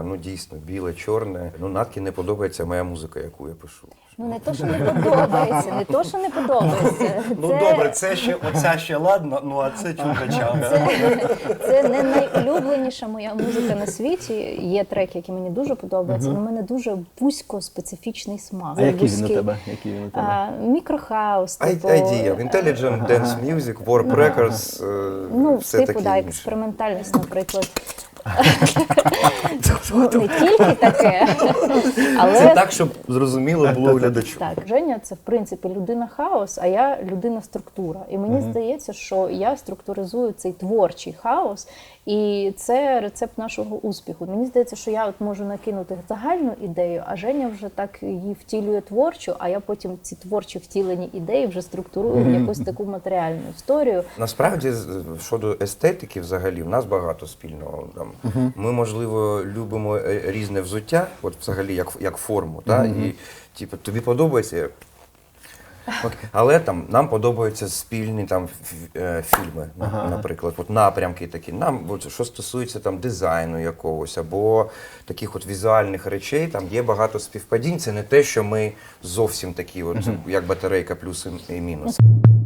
ну дійсно, біле, чорне. Ну, Наткі не подобається моя музика, яку я пишу. Ну не то, що не подобається, не то, що не подобається. Ну добре, це ще, оця ще ладно, ну а це чудача. Це не найулюбленіша моя музика на світі. Є треки, які мені дуже подобаються, але в мене дуже вузько-специфічний смак. А який він у Вузький. тебе? Мікрохаус, типу. Idea, Intelligent Dance Music, Warp Records, Ну, все типу, таке да, інше. експериментальність, наприклад. Ну, не тільки таке, але... Це так, щоб зрозуміло було глядачу. Так, Женя – це, в принципі, людина-хаос, а я людина-структура. І мені здається, що я структуризую цей творчий хаос, і це рецепт нашого успіху. Мені здається, що я от можу накинути загальну ідею, а Женя вже так її втілює творчу, а я потім ці творчі втілені ідеї вже структурую в якусь таку матеріальну історію. Насправді, щодо естетики взагалі, в нас багато спільного. Там, ми, можливо, любимо різне взуття, от взагалі як форму, та? І типу, тобі подобається. Але там нам подобаються спільні там фільми, наприклад, от напрямки такі. Нам, от, що стосується там дизайну якогось або таких от візуальних речей, там є багато співпадінь. Це не те, що ми зовсім такі, от як батарейка плюс і мінус.